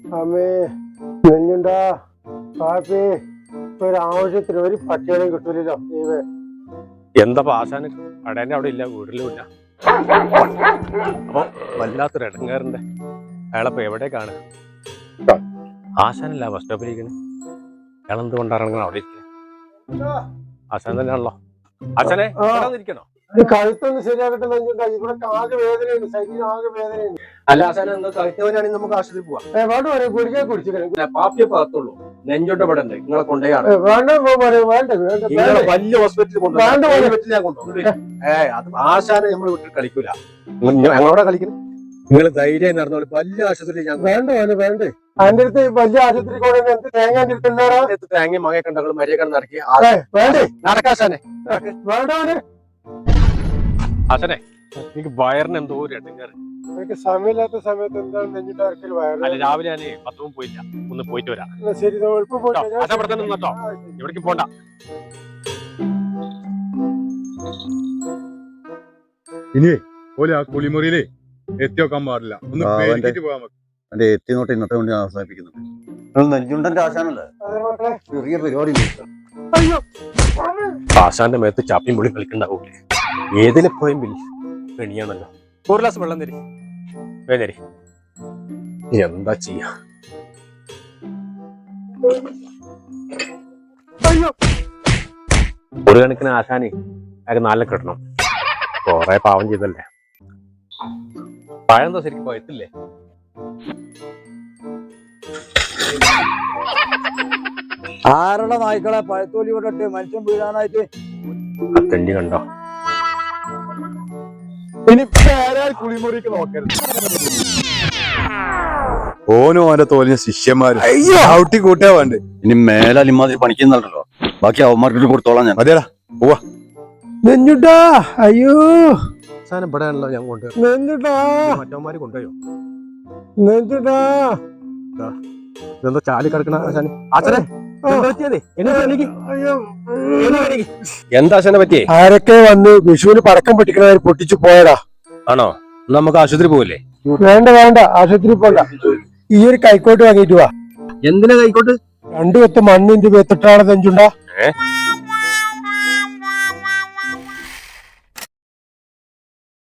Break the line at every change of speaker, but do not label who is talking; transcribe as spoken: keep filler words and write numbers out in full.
അമ്മേ നെഞ്ഞുണ്ടാ കാപ്പി ഒരാവശ്യത്തിന് ഒരു പട്ടികളും കിട്ടൂലല്ലോ ദൈവേ.
എന്താ ആശാന് കടേന്റെ അവിടെ ഇല്ല, വീട്ടിലും ഇല്ല. അപ്പൊ വല്ലാത്തൊരു ഇടങ്ങേറുണ്ട്. അയാളപ്പോ എവിടെ കാണുക? ആശാനല്ല ബസ് സ്റ്റോപ്പിലിരിക്കണേ. അയാൾ എന്തുകൊണ്ടാണ് അവിടെ ഇരിക്കുന്നത്? ആശാൻ തന്നെയാണല്ലോ. ആശാനെ ഇരിക്കണോ?
കഴുത്തൊന്ന് ശരിയാകട്ടെ നെഞ്ഞുണ്ടാ. ഇവിടെ ആകെ വേദനയുണ്ട്, ശരീരം ആകെ വേദനയുണ്ട്.
അല്ല ആശാന എന്താ കഴുത്തവനാണെങ്കിൽ നമുക്ക് ആശുപത്രി പോവാം.
വേണ്ട പോലെ കുടിക്കാൻ കുടിച്ചില്ല.
പാപ്പിയെ പാകത്തുള്ളൂ. നെഞ്ചോട്ട് ഇവിടെ ഉണ്ട്, നിങ്ങളെ കൊണ്ടേയാണ്.
വേണ്ട വേണ്ട വേണ്ട
വലിയ ഹോസ്പിറ്റലിൽ കൊണ്ടുപോകും. ഏ അത് ആശാനെ നമ്മൾ വിട്ട് കളിക്കൂല. ഞങ്ങളോടെ കളിക്കുന്നത് നിങ്ങൾ ധൈര്യം നടന്നോളൂ. വലിയ ആശുപത്രി
വേണ്ട പോലെ വേണ്ട. അതിന്റെ അടുത്ത് വലിയ ആശുപത്രി കൊണ്ട് എന്ത് തേങ്ങ അടുത്തുണ്ടാ
തേങ്ങയും മകയൊക്കെ ഉണ്ടെങ്കിൽ മര്യാദ നടക്കി
വേണ്ടേ
നടക്കാശാനെ
വേണ്ട പോലെ.
ആശാനെ എനിക്ക് വയറിന് എന്തോ ഒരു ഇടങ്ങേറ്.
എനിക്ക് സമയമില്ലാത്ത സമയത്ത് എന്താണ് നെഞ്ഞിട്ട് ആർക്കൽ വയറ്?
അല്ല രാവിലെ ഞാൻ പത്തും പോയില്ല, ഒന്ന് പോയിട്ട് വരാം.
ശരി എളുപ്പം പോയിട്ടോ.
എവിടേക്ക് പോണ്ട.
ഇനി പോലെ ആ കുളിമുറിയിലേ എത്തി വെക്കാൻ പാടില്ല. ഒന്ന് പേടിച്ചിട്ട് പോകാൻ
എന്റെ എത്തിനോട്ട് ഇന്നത്തെ കൊണ്ട് അവസാനിപ്പിക്കുന്നുണ്ട്. നെഞ്ചുണ്ടന്റെ ആശാനല്ലേ ചെറിയ പരിപാടി.
ആശാന്റെ മേത്ത് ചാപ്പിയും പൊളി കളിക്കണ്ടാവൂലേ? ഏതിലെ പോയും പെണിയാണല്ലോ. ഒരു ഗ്ലാസ് വെള്ളം തരി വേദരി. എന്താ ചെയ്യാ? ഒരു കണക്കിന് ആശാന് അയാൾക്ക് നാലിനെ കിട്ടണം. കൊറേ പാവം ചെയ്തല്ലേ. പഴം എന്താ ശരിക്കും പഴുത്തില്ലേ?
ആരുടെ നായ്ക്കളെ പഴത്തോലി കൊണ്ടിട്ട് മനുഷ്യൻ വീഴാനായിട്ട്
തെണ്ടി കണ്ടോ?
ഇനി കുളിമുറിക്ക് നോക്കരുത്. ഓനും ഓന്റെ തോലിന് ശിഷ്യന്മാര് ഔട്ടി കൂട്ടാ വേണ്ട.
ഇനി മേലാൽ ഇമാതിരി പണിക്കുന്നുണ്ടല്ലോ, ബാക്കി അവന്മാർക്ക് കൊടുത്തോളാം ഞാൻ.
മതിയടാ പോവാ.
നെഞ്ഞുട്ടാ അയ്യോ
സാധനം ഇവിടെ ആണല്ലോ ഞാൻ കൊണ്ടുപോയി.
നെഞ്ഞുട്ടാ
മറ്റവന്മാര് കൊണ്ടുപോയോ?
നെഞ്ഞുട്ടാ
ഇതെന്തോ ചാലി കിടക്കണ ആശാന്. ആശാനെ എന്താ ആശാനെ പറ്റിയേ?
ആരൊക്കെ വന്ന് വിഷുവിന് പടക്കം പൊട്ടിക്കണവര് പൊട്ടിച്ചു പോയടാ.
ആണോ? നമുക്ക് ആശുപത്രി പോവില്ലേ?
വേണ്ട വേണ്ട ആശുപത്രി പോണ്ട. ഈ ഒരു കൈക്കോട്ട് വാങ്ങിട്ട് വാ.
എന്തിനാ കൈക്കോട്ട്?
രണ്ടു കൊത്ത് മണ്ണിന്റെ വെത്തിട്ടാണ് നെഞ്ചുണ്ടാ.
ഏഹ്